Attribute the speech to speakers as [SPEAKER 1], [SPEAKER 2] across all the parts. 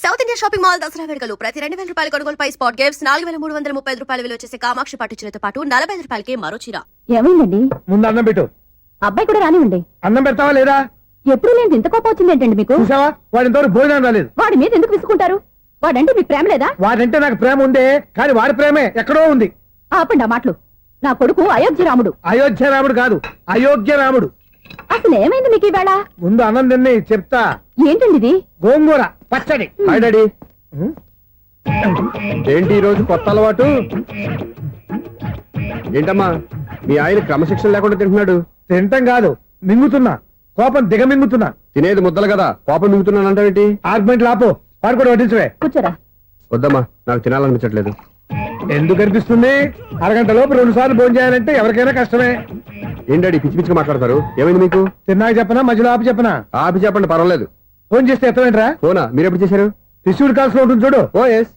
[SPEAKER 1] South India Shopping Mall Dasara వేడుకలు ప్రతి 2000 రూపాయల కొనుగోలుపై స్పాట్ గిఫ్ట్స్ 4335 రూపాయల విలువ చేసే కామాక్షి పట్టు చీరతో పాటు 45 రూపాయలకి మరో చీర.
[SPEAKER 2] ఏమైందండి?
[SPEAKER 3] ముందు అన్నం పెట్టు.
[SPEAKER 2] అబ్బాయి కూడా రానివ్వండి.
[SPEAKER 3] అన్నం పెడతావా లేదా?
[SPEAKER 2] ఎప్పుడు నేను ఇంత కోపం వచ్చింది ఏంటండి మీకు?
[SPEAKER 3] చూసావా, వాడి ఇంతవరకు భోజనం రాలేదు.
[SPEAKER 2] వాడి మీద ఎందుకు విసుకుంటారు? వాడంటే మీకు ప్రేమ లేదా?
[SPEAKER 3] వాడంటే నాకు ప్రేమ ఉందే, కానీ వాడి ప్రేమే ఎక్కడో ఉంది.
[SPEAKER 2] ఆపండి ఆ మాటలు. నా కొడుకు అయోధ్య రాముడు.
[SPEAKER 3] అయోధ్య రాముడు కాదు, అయోగ్య రాముడు.
[SPEAKER 2] అసలు ఏమైంది మీకు ఈవేళ?
[SPEAKER 3] ముందు అన్నం తిని చెప్తా.
[SPEAKER 2] ఏంటండి ఇది?
[SPEAKER 3] గోంగూర పచ్చడి.
[SPEAKER 4] Hi daddy. ఏంటి ఈ రోజు కొత్త అలవాటు? ఏంటమ్మా మీ ఆయన క్రమశిక్షణ లేకుండా తింటున్నాడు?
[SPEAKER 3] తింటం కాదు, మింగుతున్నా. కోపం దిగమింగుతున్నా.
[SPEAKER 4] తినేది ముద్దలు కదా, కోపం మింగుతున్నాను అంటావేంటి?
[SPEAKER 3] ఆర్గ్మెంట్ లాపో, వాడు కూడా వడ్డించవే.
[SPEAKER 2] కూర్చోరా.
[SPEAKER 4] వద్దమ్మా, నాకు తినాలనిపించట్లేదు.
[SPEAKER 3] ఎందుకు అనిపిస్తుంది? అరగంట లోపు 2 సార్లు భోజనం చేయాలంటే ఎవరికైనా కష్టమే.
[SPEAKER 4] ఏం డాడీ పిచ్చి పిచ్చిగా మాట్లాడతారు? ఏమైంది మీకు?
[SPEAKER 3] తిన్నాక చెప్పనా, మధ్యలో ఆపి చెప్పనా?
[SPEAKER 4] ఆపి చెప్పండి, పర్వాలేదు.
[SPEAKER 3] ఫోన్ చేస్తే ఎత్తవేంట్రా?
[SPEAKER 4] ఫోనా? మీరు ఎప్పుడు చేశారు?
[SPEAKER 3] రిసీవ్డ్ కాల్స్ లో ఉంటుంది చూడు.
[SPEAKER 4] Oh yes.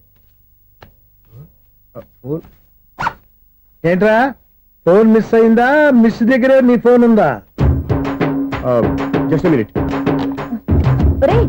[SPEAKER 3] ఏంట్రా, ఫోన్ మిస్ అయిందా? మిస్ దగ్గర నీ ఫోన్ ఉందా?
[SPEAKER 4] Just minute.
[SPEAKER 2] ఒరేయ్,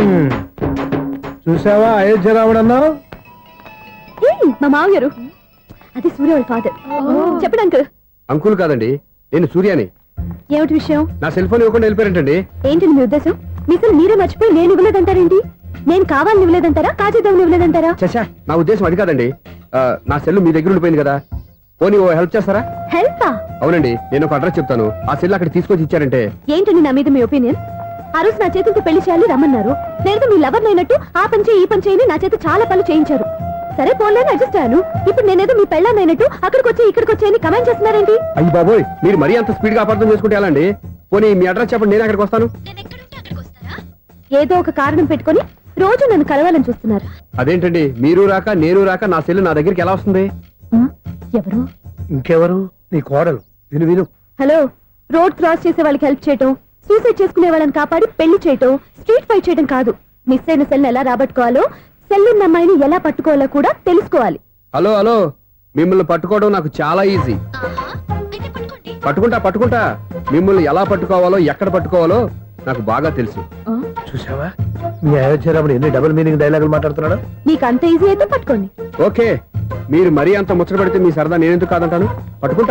[SPEAKER 3] చూసావా అయోధ్య రాముడు అన్నావు?
[SPEAKER 2] మా మామగారు. అది సూర్య వాళ్ళ ఫాదర్. చెప్పండి అంకుల్.
[SPEAKER 4] అంకుల్ కాదండి, నేను సూర్యాని.
[SPEAKER 2] ఏమిటి విషయం?
[SPEAKER 4] నా సెల్ ఫోన్ ఇవ్వకుండా వెళ్ళిపోయారంటండి.
[SPEAKER 2] ఏంటండి మీ ఉద్దేశం? మీసలు మీరే మర్చిపోయి నేను ఇవ్వలేదంటారేంటి? నేను కావాలని ఇవ్వలేదంటారా, కాజేద్దామని ఇవ్వలేదంటారా?
[SPEAKER 4] చచ్చా, నా ఉద్దేశం అది కాదండి. నా సెల్ మీ దగ్గర ఉండిపోయింది కదా, పోనీ ఓ హెల్ప్ చేస్తారా?
[SPEAKER 2] హెల్పా?
[SPEAKER 4] అవునండి, నేను ఒక అడ్రస్ చెప్తాను, ఆ సెల్ అక్కడ తీసుకొచ్చి ఇచ్చారంటే.
[SPEAKER 2] ఏంటండి నా మీద మీ ఒపీనియన్? ఆ రోజు నా చేతులతో పెళ్లి చేయాలి రమ్మన్నారు. నేను మీ లవర్ అయినట్టు ఆ పని చేయి ఈ పని చేయని నా చేత చాలా పనులు చేయించారు. సరే పోన్లేని అడ్జస్ట్ అయ్యాను. ఇప్పుడు నేనేదో మీ పెళ్ళాన్నైనట్టు అక్కడికి వచ్చి ఇక్కడికి వచ్చి కమెంట్ చేస్తున్నారేంటి?
[SPEAKER 4] అయ్యి బాబోయ్, మీరు మరీ అంత స్పీడ్ గా అపార్థం చేసుకుంటే ఎలా అండి? పోనీ మీ అడ్రస్ చెప్పండి, నేను అక్కడికి వస్తాను.
[SPEAKER 2] ఏదో ఒక కారణం పెట్టుకొని రోజు నన్ను కలవాలని చూస్తున్నారు.
[SPEAKER 4] అదేంటండి, మీరు రాక నేను రాక నా సెల్ నా దగ్గరికి ఎలా వస్తుంది?
[SPEAKER 2] ఎవరు?
[SPEAKER 3] ఇంకెవరు? నీ కోడలు. విను విను.
[SPEAKER 2] హలో, రోడ్ క్రాస్ చేసే వాళ్ళకి హెల్ప్ చేయటం, సూసైడ్ చేసుకునే వాళ్ళని కాపాడి పెళ్లి చేయటం, స్ట్రీట్ ఫైట్ చేయడం కాదు. మిస్ అయిన సెల్ ఎలా రాబట్టుకోవాలో, సెల్లున్న అమ్మాయిని ఎలా పట్టుకోవాలో కూడా తెలుసుకోవాలి.
[SPEAKER 4] హలో హలో, మిమ్మల్ని పట్టుకోవడం నాకు చాలా ఈజీ. పట్టుకుంటా. మిమ్మల్ని ఎలా పట్టుకోవాలో, ఎక్కడ పట్టుకోవాలో నాకు బాగా తెలుసు.
[SPEAKER 3] చూసావా, మీ అయోధ్య రాముడు ఎన్ని డబుల్ మీనింగ్ డైలాగులు మాట్లాడుతున్నాడు.
[SPEAKER 2] నీకు అంత ఈజీ అయితే పట్టుకోండి.
[SPEAKER 4] ఓకే, మీరు మరీ అంత ముచ్చట పెడితే మీ సరదా నేనెందుకు కాదంటాను. పట్టుకుంటా.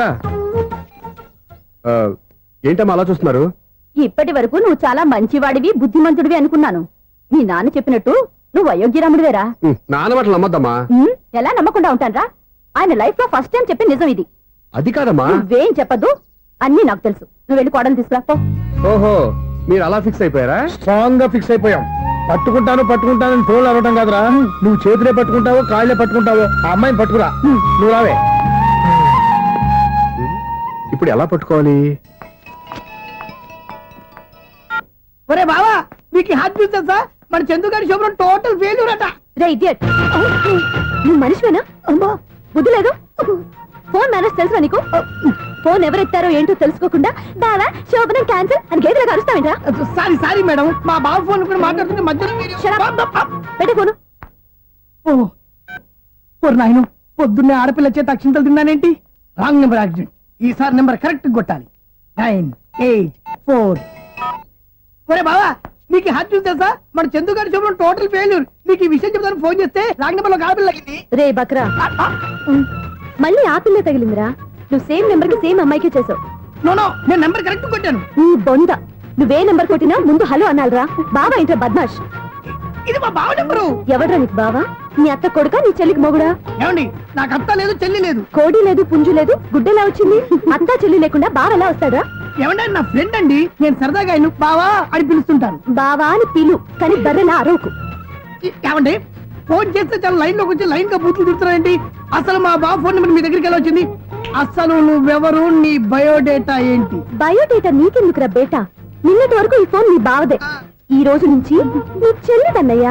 [SPEAKER 4] ఏంటమ్మా అలా చూస్తున్నారు?
[SPEAKER 2] ఇప్పటి వరకు నువ్వు చాలా మంచివాడివి, బుద్ధిమంతుడివి అనుకున్నాను. మీ నాన్న చెప్పినట్టు నువ్వు అయోగ్యరాముడివేరా.
[SPEAKER 4] నాన్న మాటలు నమ్మద్దమ్మా.
[SPEAKER 2] ఎలా నమ్మకుండా ఉంటానరా? ఆయన లైఫ్ లో ఫస్ట్ టైం చెప్పి నిజం ఇది.
[SPEAKER 4] అది కాదమ్మా.
[SPEAKER 2] నువ్వేం చెప్పదు, అన్ని నాకు తెలుసు. నువ్వు వెళ్ళి కోడలు తీసుకురా పో.
[SPEAKER 4] ఓహో, మీరు అలా ఫిక్స్ అయిపోయారా?
[SPEAKER 3] స్ట్రాంగ్ గా ఫిక్స్ అయిపోయాం. పట్టుకుంటాను ఫోన్లు అడగటం కాదురా. నువ్వు చేతులే పట్టుకుంటావో కాళ్ళే పట్టుకుంటావో ఆ అమ్మాయిని పట్టుకురా. నువ్వు రావే.
[SPEAKER 4] ఇప్పుడు ఎలా పట్టుకోవాలి?
[SPEAKER 5] ఒరే బావా, మీకు హార్ట్ బీట్ తెలుసా? మన చందుగారి శుభ్రం టోటల్ ఫెయిల్యూర్ అట.
[SPEAKER 2] రే ఇడియట్, నువ్వు మనిషివేనా? అమ్మా బుద్ధి లేదు. ఫోన్ మేనేజ్ తెలుసా నీకు? ఫోన్ ఎవరెత్తారో ఏంటో తెలుసుకోకుండా బావా శోభనం క్యాన్సిల్ అని గేదెలాగా అరుస్తావేంట్రా?
[SPEAKER 5] సారీ మేడం, మా బావ ఫోన్ కూడా మాట్లాడుతుంటే మధ్యలో
[SPEAKER 2] పెట్టే ఫోను.
[SPEAKER 5] నాయను, పొద్దున్నే ఆడపిల్ల చేత అక్షింతలు తిన్నానేంటి? Wrong number accident. ఈసారి నెంబర్ కరెక్ట్ కొట్టాలి. 984. ఒరే బావా, నీకు హార్ట్ బీట్ తెలుసా? మన చందుగారి శుభ్రం టోటల్ ఫెయిల్యూర్. నీకు ఈ విషయం చెప్తాను ఫోన్ చేస్తే రాంగ్ నెంబర్ లో ఆడపిల్ల తగ్గింది.
[SPEAKER 2] రే బక్రా, మళ్ళీ ఆ పిల్ల తగిలిందిరా. నువ్వు సేమ్ నెంబర్ కి సేమ్ అమ్మాయికే చేసావు.
[SPEAKER 5] నో, నేను నెంబర్ కరెక్ట్ కొట్టాను.
[SPEAKER 2] నీ బొంద, నువ్వే నెంబర్ కొట్టినా ముందు హలో అనాలరా. బావా ఏంట్రా బద్మాష్?
[SPEAKER 5] ఇది మా బావ నెంబరు.
[SPEAKER 2] ఎవడ్రా నీకు బావా? నీ అత్త కొడుక, నీ చెల్లికి మొగుడా?
[SPEAKER 5] ఏమండి, నాకు అత్త లేదు, చెల్లి లేదు.
[SPEAKER 2] కోడి లేదు, పుంజు లేదు, గుడ్డెలా వచ్చింది? అత్త చెల్లి లేకుండా బావ ఎలా వస్తాడా?
[SPEAKER 5] ఏమంటే నా ఫ్రెండ్ అండి, నేను సరదాగా ఆయన బావా అని పిలుస్తుంటాను.
[SPEAKER 2] బావా అని పిలు, కానీ బర్రెలా అరవకు.
[SPEAKER 5] ఏమండి, ఫోన్ చేస్తే చాలా లైన్ లోకి వచ్చి లైన్ గా బూతులు తిడుతున్నారేంటి? అసలు మా బావ ఫోన్ నెంబర్ మీ దగ్గరికి ఎలా వచ్చింది? అసలు నువ్వెవరు, నీ బయోడేటా ఏంటి?
[SPEAKER 2] బయోడేటా నీకెందుకురా బేటా? నిన్నటి వరకు ఈ ఫోన్ నీ బావదే. ఈ రోజు నుంచి నీ చెల్లిదన్నయ్యా.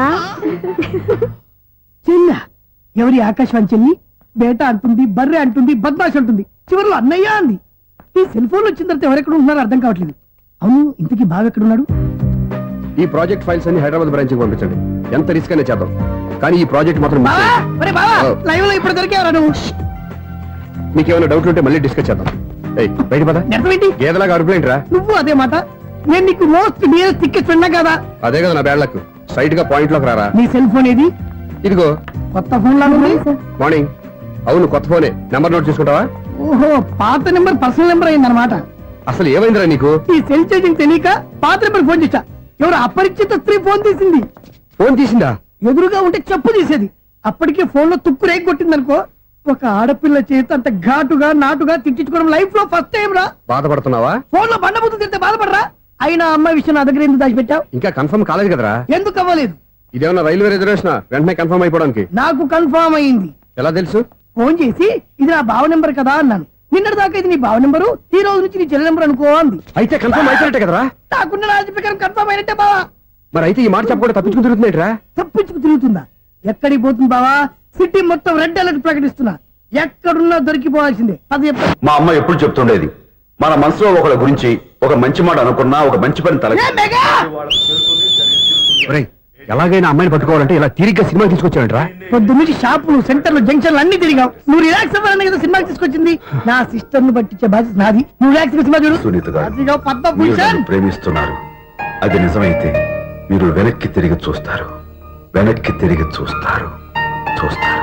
[SPEAKER 5] చెల్ల ఎవరి? ఆకాశవాణి చెల్లి. బేటా అంటుంది, బర్రె అంటుంది, బద్మాష్ అంటుంది, చివరిలో అన్నయ్య అంది. ఈ సెల్ ఫోన్ వచ్చిన తర్వాత ఎవరెక్కడ ఉన్నారో అర్థం కావట్లేదు. అవును, ఇంతకీ బావ ఎక్కడున్నాడు?
[SPEAKER 4] ఈ ప్రాజెక్ట్ ఫైల్స్ అన్ని హైదరాబాద్ బ్రాంచ్ కి పంపించండి. ఎంత రిస్క్ అయినా చేద్దాం, కానీ ఈ ప్రాజెక్ట్ మాత్రం
[SPEAKER 5] లైవ్ లో ఇప్పుడు దొరికేవరా నువ్వు?
[SPEAKER 4] మీకేమైనా డౌట్లు ఉంటే మళ్ళీ డిస్కస్ చేద్దాం. బయట పద. గేదలాగా అరుపులేంట్రా?
[SPEAKER 5] నువ్వు అదే మాట. నేను నీకు మోస్ట్ డియరెస్ట్ టికెట్ ఫ్రెండ్ కదా.
[SPEAKER 4] అదే కదా నా బ్యాడ్ లక్. స్ట్రైట్ గా పాయింట్ లోకి రారా.
[SPEAKER 5] నీ సెల్ ఫోన్ ఏది?
[SPEAKER 4] ఇదిగో
[SPEAKER 5] కొత్త ఫోన్ లాగా ఉంది.
[SPEAKER 4] మార్నింగ్. అవును కొత్త ఫోనే. నెంబర్ నోట్ చేసుకుంటావా?
[SPEAKER 5] ఓహో, పాత నెంబర్ పర్సనల్ నెంబర్ అయిందన్నమాట.
[SPEAKER 4] అసలు ఏమైందిరా నీకు?
[SPEAKER 5] ఈ సెల్ చేసింగ్ తెలియక పాత నెంబర్ ఫోన్ చేశా. ఎవరు అపరిచిత స్త్రీ ఫోన్ తీసింది.
[SPEAKER 4] ఫోన్ తీసిందా?
[SPEAKER 5] ఎదురుగా ఉంటే చెప్పు తీసేది. అప్పటికే ఫోన్ లో తుక్కు రేగి కొట్టిందనుకో. ఒక ఆడపిల్ల చేత అంత ఘాటుగా నాటుగా తిట్టించుకోవడం లైఫ్ లో ఫస్ట్ టైం రా.
[SPEAKER 4] బాధపడుతున్నావా?
[SPEAKER 5] ఫోన్ లో బండబుద్ధి తింటే బాధపడరా? అయినా అమ్మాయి విషయం నా దగ్గర ఎందుకు దాచిపెట్టావు?
[SPEAKER 4] ఇంకా కన్ఫర్మ్ కాలేదు కదరా.
[SPEAKER 5] ఎందుకు అవ్వలేదు?
[SPEAKER 4] ఇదేమన్నా రైల్వే రిజర్వేషన్ వెంటనే కన్ఫర్మ్ అయిపోవడానికి?
[SPEAKER 5] నాకు కన్ఫర్మ్ అయింది.
[SPEAKER 4] ఎలా తెలుసు?
[SPEAKER 5] ఫోన్ చేసి ఇది నా బావ నెంబర్ కదా అన్నాను. నిన్నటి దాకా ఇది నీ బావ నెంబరు, ఈ రోజు నుంచి నీ చెల్లి నెంబర్ అనుకో అంది.
[SPEAKER 4] అయితే కన్ఫర్మ్ అయిపోయినట్టే కదరా.
[SPEAKER 5] నాకున్న రాజు ప్రకారం కన్ఫర్మ్ అయినట్టే బావా.
[SPEAKER 4] మరి అయితే ఈ మాట చెప్పకుండా తప్పించుకుని తిరుగుతున్నాయిట్రా.
[SPEAKER 5] తప్పించుకు తిరుగుతుందా? ఎక్కడికి పోతుంది బావా? సిటీ మొత్తం రెడ్ అలర్ట్ ప్రకటిస్తున్నా. ఎక్కడున్నా దొరికిపోవాల్సిందే. అది చెప్తా.
[SPEAKER 6] మా అమ్మ ఎప్పుడు చెప్తుండేది, మన మనసులో ఒకళ్ళ గురించి ఒక మంచి మాట అనుకున్నా ఒక మంచి పని తల
[SPEAKER 5] ఏ మెగా!
[SPEAKER 4] ఒరేయ్, ఎలాగైనా అమ్మాయిని పట్టుకోవాలంటే ఇలా తిరిగ్గా సినిమా తీసుకొచ్చాడంట్రా.
[SPEAKER 5] పొద్దున్నుంచి షాపులు, సెంటర్లు, జంక్షన్లు అన్ని తిరిగావు. నువ్వు రిలాక్స్ అవ్వాలని కదా సినిమాకి తీసుకొచ్చింది. నా సిస్టర్ ను పట్టించే బాధ్యత నాది. నువ్వు రిలాక్స్ సినిమా చూడు.
[SPEAKER 6] సునీత గారు,
[SPEAKER 5] అదిగో
[SPEAKER 6] మీరు
[SPEAKER 5] పద్మభూషణ్.
[SPEAKER 6] నన్ను ప్రేమిస్తున్నారు. అది నిజమైతే మీరు వెనక్కి తిరిగి చూస్తారు. వెనక్కి తిరిగి చూస్తారు. చూస్తారు.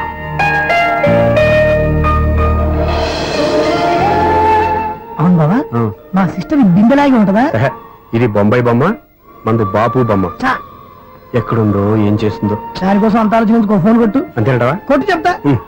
[SPEAKER 5] అవును బావా, మా సిస్టర్ బిందెలాగే ఉంటదా?
[SPEAKER 4] ఎహె, ఇది బొంబాయి బొమ్మ, మంది బాపు బొమ్మ.
[SPEAKER 5] చా,
[SPEAKER 4] ఎక్కడుందో ఏం చేస్తుందో.
[SPEAKER 5] దానికోసం అంత ఆలోచించుకో. ఫోన్ కొట్టు.
[SPEAKER 4] అంతేనంటావా?
[SPEAKER 5] కొట్టు చెప్తా.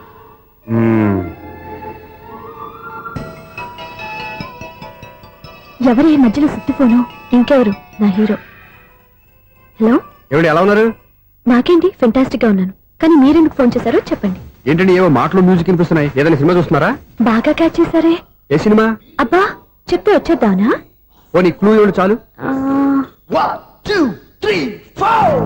[SPEAKER 2] ఎవరు ఈ మధ్యలో సుత్తి ఫోను? ఇంకెవరు? నా హీరో. హలో,
[SPEAKER 4] ఏమిటి ఎలా ఉన్నారు?
[SPEAKER 2] నాకేంటి ఫెంటాస్టిక్ గా ఉన్నాను. కానీ మీరెందుకు ఫోన్ చేశారో చెప్పండి.
[SPEAKER 4] ఏంటండి ఏవో మాటలు మ్యూజిక్ వినిపిస్తున్నాయి. ఏదైనా సినిమా చూస్తున్నారా?
[SPEAKER 2] బాగా క్యాచ్ చేశారే.
[SPEAKER 4] ఏ సినిమా?
[SPEAKER 2] అబ్బా, చెప్తే వచ్చేద్దానా?
[SPEAKER 4] ఓ నీ క్లూ ఇవ్వండి చాలు.
[SPEAKER 2] ఆ,
[SPEAKER 5] 1 2 3 4.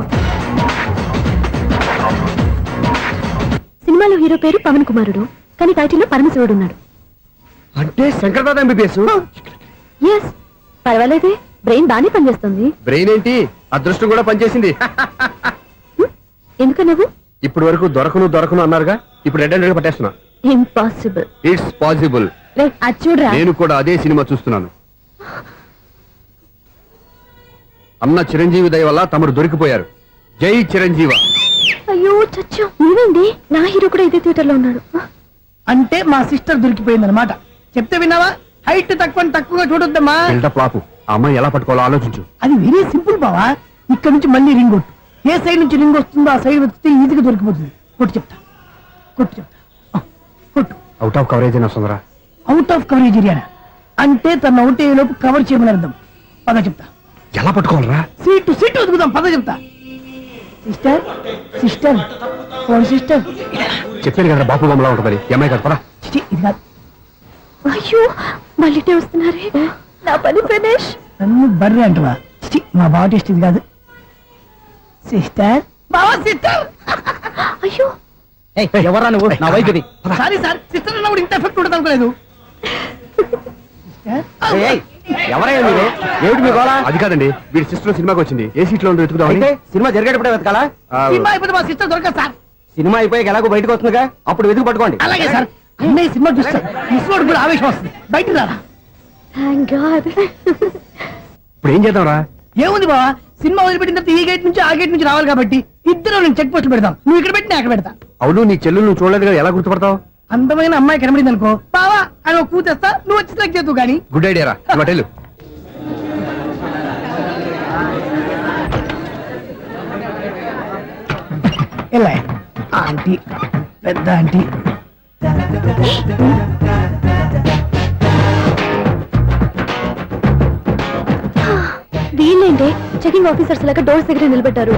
[SPEAKER 2] సినిమాలో హీరో పేరు పవన్ కుమారుడు, కానీ టైటిల్లో పరమశివుడు ఉన్నాడు.
[SPEAKER 4] అంటే శంకర్దాద ఎంబీబీఎస్.
[SPEAKER 2] ఎస్, పర్వాలేదే, బ్రెయిన్ బానే పనిచేస్తుంది.
[SPEAKER 4] బ్రెయిన్ ఏంటి, అదృష్టం కూడా పనిచేసింది.
[SPEAKER 2] ఎందుకన్నావు?
[SPEAKER 4] ఇప్పటి వరకు దొరకను అన్నారుగా, ఇప్పుడు రెడ్ అండ్ పట్టేస్తున్నా.
[SPEAKER 2] ఇంపాసిబుల్.
[SPEAKER 4] It's possible.
[SPEAKER 2] అది చూడరా.
[SPEAKER 4] నేను కూడా అదే సినిమా చూస్తున్నాను. అన్న చిరంజీవి దయ వల్ల తమరు దొరికిపోయారు. జై చిరంజీవ.
[SPEAKER 2] అయ్యో చచ్చా, నీవేంటి? నా హీరో కూడా ఇదే థియేటర్ లో ఉన్నాడు.
[SPEAKER 5] అంటే మా సిస్టర్ దొరికిపోయింది అనమాట. చెప్తే విన్నావా? హైట్ తక్కువగా చూడొద్దమ్మా.
[SPEAKER 4] బిల్డప్ లాపు. ఆ అమ్మాయి ఎలా పట్టుకోవాలో ఆలోచించు.
[SPEAKER 5] అది వెరీ సింపుల్ బావా. ఇక్కడ నుంచి మళ్ళీ రింగ్ కొట్టు. ఏ సైడ్ నుంచి రింగ్ వస్తుందో ఆ సైడ్ వెతికితే ఈజీగా దొరికిపోతుంది. కొట్టు చెప్తా. కొట్టు.
[SPEAKER 4] అవుట్ ఆఫ్ కవరేజ్ అయినా సుందరా.
[SPEAKER 5] అవుట్ ఆఫ్ కవరేజ్ ఏరియా అంటే తన అవుట్ అయ్యే లోపు కవర్ చేయమని అర్థం. పద చెప్తా.
[SPEAKER 4] ఎలా పట్టుకోవాలరా?
[SPEAKER 5] సీటు వెతుకుదాం. పద చెప్తా. Sister phone sister.
[SPEAKER 4] చెప్పాను కదా బాపు బొమ్మలా ఉంటుందని. అమ్మాయి కదా పదా.
[SPEAKER 5] చిచి, ఇది కాదు.
[SPEAKER 2] అయ్యో, మళ్ళీ వస్తున్నారే. నా పని ఫినిష్.
[SPEAKER 5] నన్ను బర్రె అంటవా? చిచి, మా బావ టేస్ట్ ఇది కాదు. సిస్టర్, బావా సిస్టర్.
[SPEAKER 2] అయ్యో,
[SPEAKER 3] ఎవరా నువ్వు? నా వైపు ఇది.
[SPEAKER 5] సారీ సార్, సిస్టర్ అన్నప్పుడు ఇంత ఎఫెక్ట్ ఉండదు అనుకోలేదు.
[SPEAKER 3] ఎవరయ్యా మీరు? ఏమిటి మీ గోళ?
[SPEAKER 4] అది కాదండి, వీడి సిస్టర్ సినిమాకి వచ్చింది. ఏ సీట్ లో ఉందో వెతుకుదామని.
[SPEAKER 3] అయితే సినిమా జరిగేటప్పుడే వెతకాలా?
[SPEAKER 5] సినిమా అయిపోతే మా సిస్టర్ దొరకదు సార్.
[SPEAKER 3] సినిమా అయిపోయాక ఎలాగో బయటకు వస్తుందిగా, అప్పుడు వెతుకు పట్టుకోండి.
[SPEAKER 5] అలాగే సార్. అన్నయ్య సినిమా చూస్తాం. మిస్లోడు కూడా ఆవేశం వస్తుంది. బయటికి రారా.
[SPEAKER 2] Thank God.
[SPEAKER 4] ఇప్పుడు ఏం చేద్దాంరా?
[SPEAKER 5] ఏముంది బావా, సినిమా వదిలిపెట్టిన తర్వాత ఈ గేట్ నుంచి ఆ గేట్ నుంచి రావాలి కాబట్టి ఇద్దరు నేను చెక్ పోస్ట్ పెడతాం. నువ్వు ఇక్కడ పెట్టి నేను అక్కడ పెడతా.
[SPEAKER 4] అవును, నీ చెల్లెలు నువ్వు చూడలేదు కదా, ఎలా గుర్తుపడతావు?
[SPEAKER 5] అందమైన అమ్మాయి కనబడింది అనుకో, బావా అని ఒక కూతేస్తా. నువ్వు వచ్చి సెలెక్ట్ చేద్దు కానీ.
[SPEAKER 4] గుడ్ ఐడియా రా. హోటల్
[SPEAKER 5] ఎలా ఆంటీ, పెద్ద ఆంటీ.
[SPEAKER 2] వీళ్ళేంటి చెకింగ్ ఆఫీసర్స్ లాగా డోర్స్ దగ్గర నిలబెట్టారు.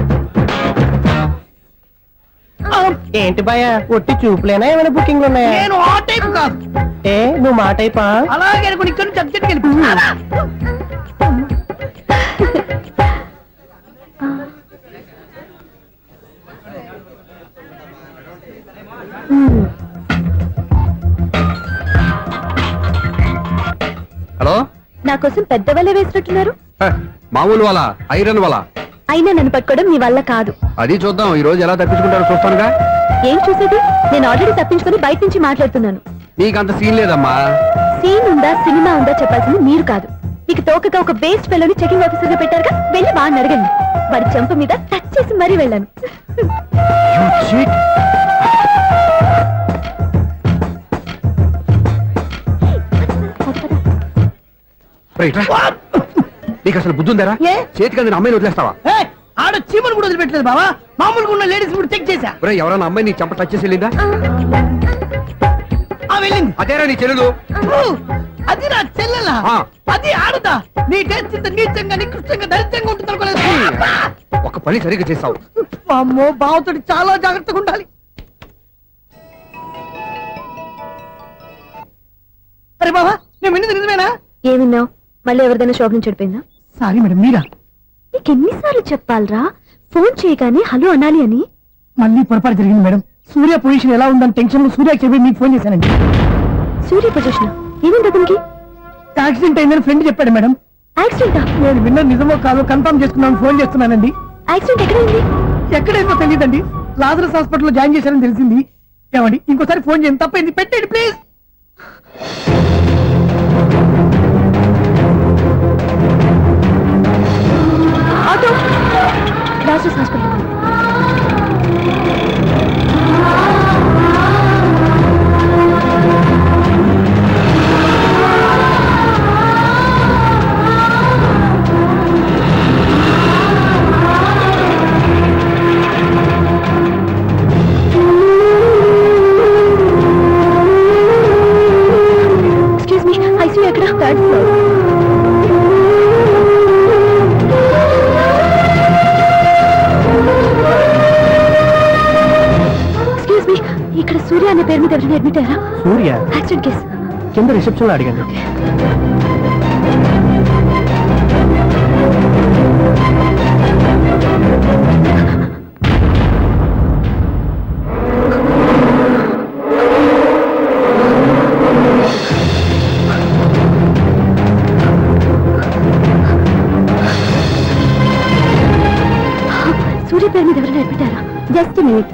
[SPEAKER 7] ఏంటి భయ ఒట్టి చూపులేనా ఏమైనా బుకింగ్ ఉన్నాయా?
[SPEAKER 5] నేను ఆ టైప్ కాదు.
[SPEAKER 7] ఏ నువ్వు మా టైపా?
[SPEAKER 5] అలాగే అనుకుని ఇక్కడ నుంచి అర్జెంట్కి వెళ్ళిపో.
[SPEAKER 4] హలో.
[SPEAKER 2] నా కోసం పెద్ద వల్ల వేసినట్టున్నారు.
[SPEAKER 4] మామూలు వాళ్ళ ఐరన్ వాళ్ళ.
[SPEAKER 2] అయినా నన్ను పట్టుకోవడం మీ వల్ల కాదు.
[SPEAKER 4] అది చూద్దాం ఈ రోజు ఎలా తప్పించుకుంటారో చూస్తానుగా.
[SPEAKER 2] ఏం చూసేది? నేను ఆల్రెడీ తప్పించుకొని బయట నుంచి మాట్లాడుతున్నాను.
[SPEAKER 4] నీకంత సీన్ లేదమ్మా.
[SPEAKER 2] సీన్ ఉందా సినిమా ఉందా చెప్పాల్సింది మీరు కాదు. మీకు తోకగా ఒక బేస్ట్ ఫెలోని చెకింగ్ ఆఫీసర్ గా పెట్టారుగా, వెళ్ళి బాగా అడగండి. వాడి చెంప మీద టచ్ చేసి మరీ వెళ్ళాను.
[SPEAKER 4] నీకు అసలు బుద్ధి ఉందారా?
[SPEAKER 5] ఏ?
[SPEAKER 4] చేతికి అందిన అమ్మాయిని వదిలేస్తావా?
[SPEAKER 5] ఏయ్, ఆడ చీమలు కూడా వదిలిపెట్టలేదు బావా. మామూలుగా ఉన్న లేడీస్ కూడా చెక్ చేశా.
[SPEAKER 4] ఒరేయ్, ఎవరైనా అమ్మాయి నీ చెంప టచ్ చేసి వెళ్ళిందా?
[SPEAKER 5] ఆ వెళ్ళింది.
[SPEAKER 4] అదేరా నీ చెల్లెలు.
[SPEAKER 5] అది నా చెల్లెలా?
[SPEAKER 4] ఆ.
[SPEAKER 5] అది ఆడదా? నీ టేస్ట్ ఇంత నీచంగా నికృష్టంగా దరిద్రంగా ఉంటుంది అనుకోలేదు.
[SPEAKER 4] ఒక పని సరిగ్గా చేస్తావు.
[SPEAKER 5] అమ్మో, బావతోటి చాలా జాగ్రత్తగా ఉండాలి. అరే బావా, నేను విన్నది నిజమేనా?
[SPEAKER 2] ఏమిన్నావు? మళ్ళీ ఎవరిదైనా షాప్ నుంచి చెడిపోయిందా?
[SPEAKER 5] సారీ మేడం, మీరా?
[SPEAKER 2] నీకెన్నిసార్లు చెప్పాలరా ఫోన్ చేయగానే హలో అనాలి అని?
[SPEAKER 5] మళ్ళీ పొరపాటు జరిగింది మేడం. సూర్య పొజిషన్ ఎలా ఉందని టెన్షన్ లో సూర్యకి చెప్పి మీకు ఫోన్ చేశానండి.
[SPEAKER 2] సూర్య పొజిషన్ ఏమైంది అతనికి?
[SPEAKER 5] యాక్సిడెంట్ అయిందని ఫ్రెండ్ చెప్పాడు మేడం.
[SPEAKER 2] యాక్సిడెంటా?
[SPEAKER 5] నేను విన్న నిజమో కాదో కన్ఫర్మ్ చేసుకున్నాను, ఫోన్ చేస్తున్నానండి.
[SPEAKER 2] యాక్సిడెంట్ ఎక్కడైంది?
[SPEAKER 5] ఎక్కడైందో తెలియదండి. లాజరస్ హాస్పిటల్లో జాయిన్ చేశారని తెలిసింది. ఏమండి, ఇంకోసారి ఫోన్ చేయండి, తప్పైంది, పెట్టండి please.
[SPEAKER 2] Auto Lazarus hospital. Excuse me, ICU ఎక్కడ? Third floor. ఎక్స్క్యూజ్ మీ, ఇక్కడ సూర్య అనే పేరు మీద ఎవరైనా అడ్మిట్ అయ్యారా?
[SPEAKER 7] Surya
[SPEAKER 2] accident case.
[SPEAKER 7] కింద రిసెప్షన్ లో అడిగాను.
[SPEAKER 2] సూర్య పేరు మీద ఎవరైనా అడ్మిట్ అయ్యారా? Just minute.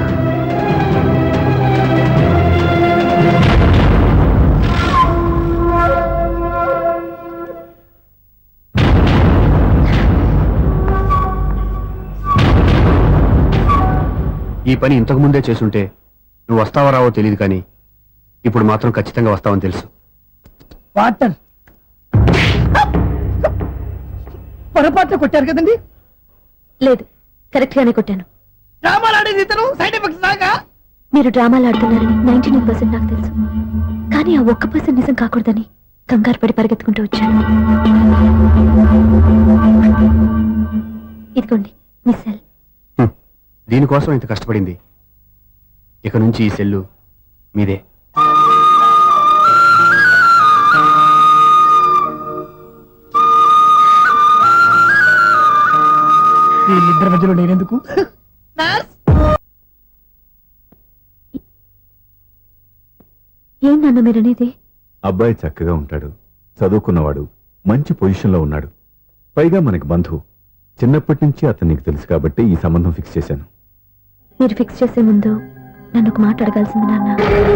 [SPEAKER 4] ఈ పని ఇంతకు ముందే చేసుంటే నువ్వు వస్తావో రావో తెలియదు, కానీ ఇప్పుడు మాత్రం ఖచ్చితంగా వస్తావని తెలుసు.
[SPEAKER 5] వాటర్ పొరపాట్లు కొట్టారు కదండి.
[SPEAKER 2] లేదు, కరెక్ట్ గానే కొట్టాను.
[SPEAKER 5] డ్రామాలు ఆడేది ఇతను, సైడ్ ఎఫెక్ట్స్ దాకా.
[SPEAKER 2] మీరు డ్రామాలు ఆడుతున్నారని 99% నాకు తెలుసు, కానీ ఆ 1% నిజం కాకూడదని కంగారు పడి పరిగెత్తుకుంటూ వచ్చాను. ఇదిగోండి మీ సెల్.
[SPEAKER 4] దీనికోసం ఇంత కష్టపడింది. ఇక నుంచి ఈ సెల్లు మీదే.
[SPEAKER 5] వీళ్ళిద్దరి మధ్యలో నేనెందుకు?
[SPEAKER 2] ఏం నాన్న మీరనేది?
[SPEAKER 6] అబ్బాయి చక్కగా ఉంటాడు, చదువుకున్నవాడు, మంచి పొజిషన్లో ఉన్నాడు. పైగా మనకి బంధువు. చిన్నప్పటి నుంచి అతను నీకు తెలుసు కాబట్టి ఈ సంబంధం ఫిక్స్ చేశాను.
[SPEAKER 2] మీరు ఫిక్స్ చేసే ముందు నన్ను ఒక మాట అడగాల్సింది నాన్న.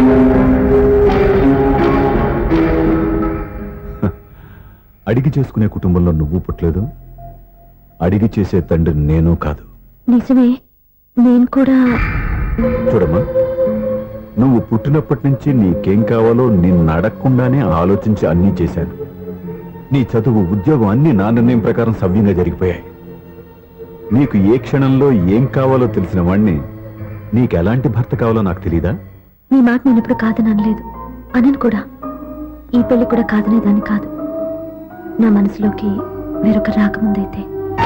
[SPEAKER 6] అడిగి చేసుకునే కుటుంబంలో నువ్వు పుట్టలేదు, అడిగి చేసే తండ్రి నేను కాదు.
[SPEAKER 2] నిజమే, నేను కూడా.
[SPEAKER 6] చూడమ్మా, నువ్వు పుట్టినప్పటి నుంచి నీకేం కావాలో నిన్ను అడగకుండానే ఆలోచించి అన్నీ చేశాను. నీ చదువు, ఉద్యోగం అన్నీ నా నిర్ణయం ప్రకారం సవ్యంగా జరిగిపోయాయి. నీకు ఏ క్షణంలో ఏం కావాలో తెలిసిన వాణ్ణి నీకు ఎలాంటి భర్త కావాలో నాకు తెలీదా?
[SPEAKER 2] మీ మాట నేను ఇప్పుడు కాదని అనలేదు, అనను కూడా. ఈ పెళ్లి కూడా కాదనేదాన్ని కాదు. నా మనసులోకి వేరొక రాకముందైతే.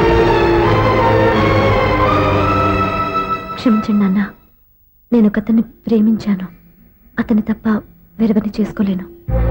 [SPEAKER 2] క్షమించండి నాన్న, నేను ఒకతన్ని ప్రేమించాను. అతన్ని తప్ప వేరెవరిని చేసుకోలేను.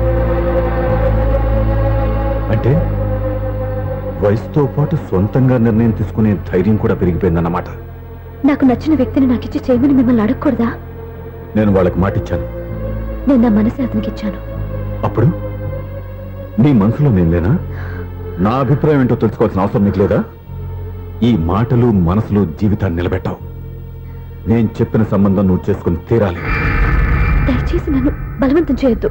[SPEAKER 6] అంటే వయసుతో పాటు సొంతంగా నిర్ణయం తీసుకునే ధైర్యం కూడా పెరిగిపోయిందన్నమాట.
[SPEAKER 2] నాకు నచ్చిన వ్యక్తిని నాకిచ్చి చేయమని మిమ్మల్ని అడగకూడదా?
[SPEAKER 6] నేను వాళ్ళకి మాటిచ్చాను.
[SPEAKER 2] నేను నా మనసే అతనికి ఇచ్చాను.
[SPEAKER 6] అప్పుడు నీ మనసులో నేను లేనా? నా అభిప్రాయం ఏంటో తెలుసుకోవాల్సిన అవసరం నీకు లేదా? ఈ మాటలు మనసులో జీవితాన్ని నిలబెట్టావు. నేను చెప్పిన సంబంధం నువ్వు చేసుకుని తీరాలి.
[SPEAKER 2] దయచేసి నన్ను బలవంతం చేయొద్దు.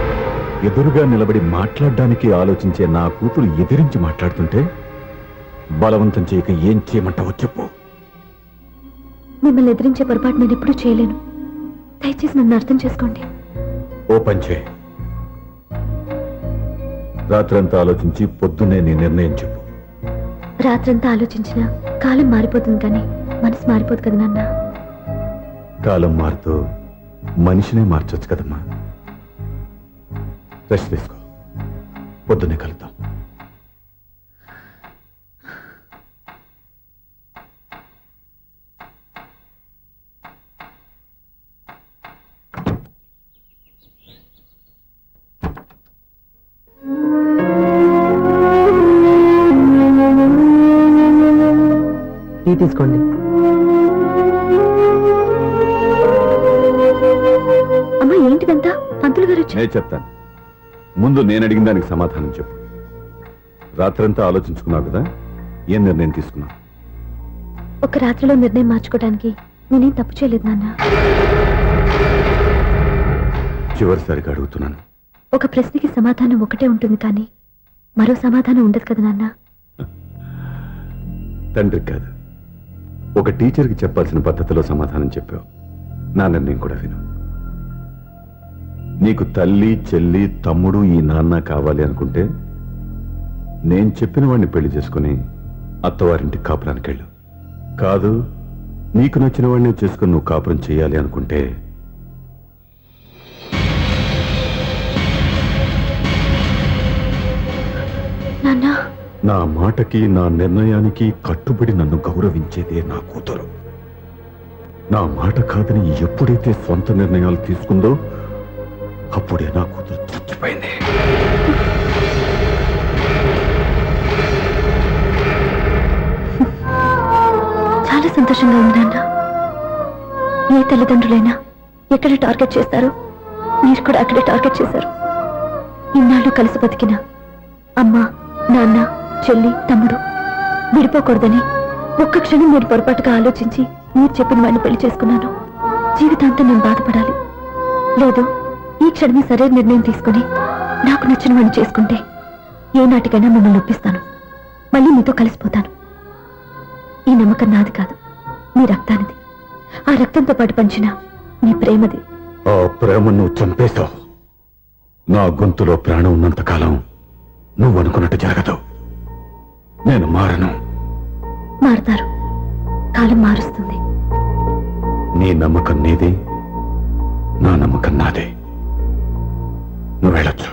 [SPEAKER 6] ఎదురుగా నిలబడి మాట్లాడడానికి ఆలోచించే నా కూతురు ఎదిరించి మాట్లాడుతుంటే బలవంతం చేయక ఏం చేయమంటావో చెప్పు.
[SPEAKER 2] మిమ్మల్ని ఎదిరించే పొరపాటు నేను ఎప్పుడూ చేయలేను. దయచేసి నన్ను అర్థం చేసుకోండి.
[SPEAKER 6] ఓ పంచే, రాత్రంతా ఆలోచించి పొద్దున్నే నీ నిర్ణయం చెప్పు.
[SPEAKER 2] రాత్రంతా ఆలోచించినా కాలం మారిపోతుంది కానీ మనసు మారిపోదు కదా నాన్న.
[SPEAKER 6] కాలం మారుతూ మనిషినే మార్చొచ్చు కదమ్మా. రెస్ట్ తీసుకో, పొద్దున్నే కలుద్దాం.
[SPEAKER 7] టీ తీసుకోండి.
[SPEAKER 2] అమ్మా ఏంటిదంతా? పంతులు గారు వచ్చి
[SPEAKER 6] నేను చెప్తాను. ముందు నేను అడిగిన దానికి సమాధానం చెప్పు. రాత్రంతా ఆలోచించుకున్నావు కదా, ఏం నిర్ణయం తీసుకున్నావు?
[SPEAKER 2] ఒక రాత్రిలో నిర్ణయం మార్చుకోవడానికి నేనేం తప్పు చేయలేదు నాన్న.
[SPEAKER 6] చివరిసారిగా అడుగుతున్నాను.
[SPEAKER 2] ఒక ప్రశ్నకి సమాధానం ఒకటే ఉంటుంది కానీ మరో సమాధానం ఉండదు కదా నాన్న.
[SPEAKER 6] తండ్రికి కాదు, ఒక టీచర్కి చెప్పాల్సిన పద్ధతిలో సమాధానం చెప్పావు. నా నిర్ణయం కూడా విను. నీకు తల్లి, చెల్లి, తమ్ముడు, ఈ నాన్న కావాలి అనుకుంటే నేను చెప్పిన వాడిని పెళ్లి చేసుకుని అత్తవారింటికి కాపురానికి వెళ్ళు. కాదు, నీకు నచ్చిన వాడిని చేసుకుని నువ్వు కాపురం చేయాలి అనుకుంటే
[SPEAKER 2] నాన్న
[SPEAKER 6] నా మాటకి, నా నిర్ణయానికి కట్టుబడి నన్ను గౌరవించేదే నా కూతురు. నా మాట కాదని ఎప్పుడైతే సొంత నిర్ణయాలు తీసుకుందో అప్పుడే నా కూతురు చచ్చిపోయింది.
[SPEAKER 2] చాలా సంతోషంగా ఉంది నాన్న. ఏ తల్లిదండ్రులైనా ఎక్కడ టార్గెట్ చేస్తారో మీరు కూడా అక్కడే టార్గెట్ చేశారు. ఇన్నాళ్ళు కలిసి బతికిన అమ్మ, నాన్న, చెల్లి, తమ్ముడు విడిపోకూడదని ఒక్క క్షణం నేను పొరపాటుగా ఆలోచించి మీరు చెప్పిన వాడిని పెళ్లి చేసుకున్నాను. జీవితాంతం నేను బాధపడాలి. లేదు, ఈ క్షణమే సరైన నిర్ణయం తీసుకుని నాకు నచ్చిన వాడిని చేసుకుంటే ఏ నాటికైనా మిమ్మల్ని ఒప్పిస్తాను. మళ్ళీ మీతో కలిసిపోతాను. ఈ నమ్మకం నాది కాదు, మీ రక్తానిది. ఆ రక్తంతో పాటు పంచిన మీ ప్రేమది.
[SPEAKER 6] ఆ ప్రేమ నువ్వు చంపేశావు. నా గొంతులో ప్రాణం ఉన్నంతకాలం నువ్వు అనుకున్నట్టు జరగదు. నేను మారను.
[SPEAKER 2] మారుతారు, కాలం మారుస్తుంది.
[SPEAKER 6] నీ నమ్మకం నీది, నా నమ్మకం నాదే. నువ్వు వెళ్ళొచ్చు.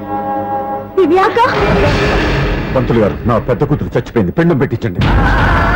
[SPEAKER 6] పంతులు గారు, నా పెద్ద కూతురు చచ్చిపోయింది, పిండం పెట్టించండి.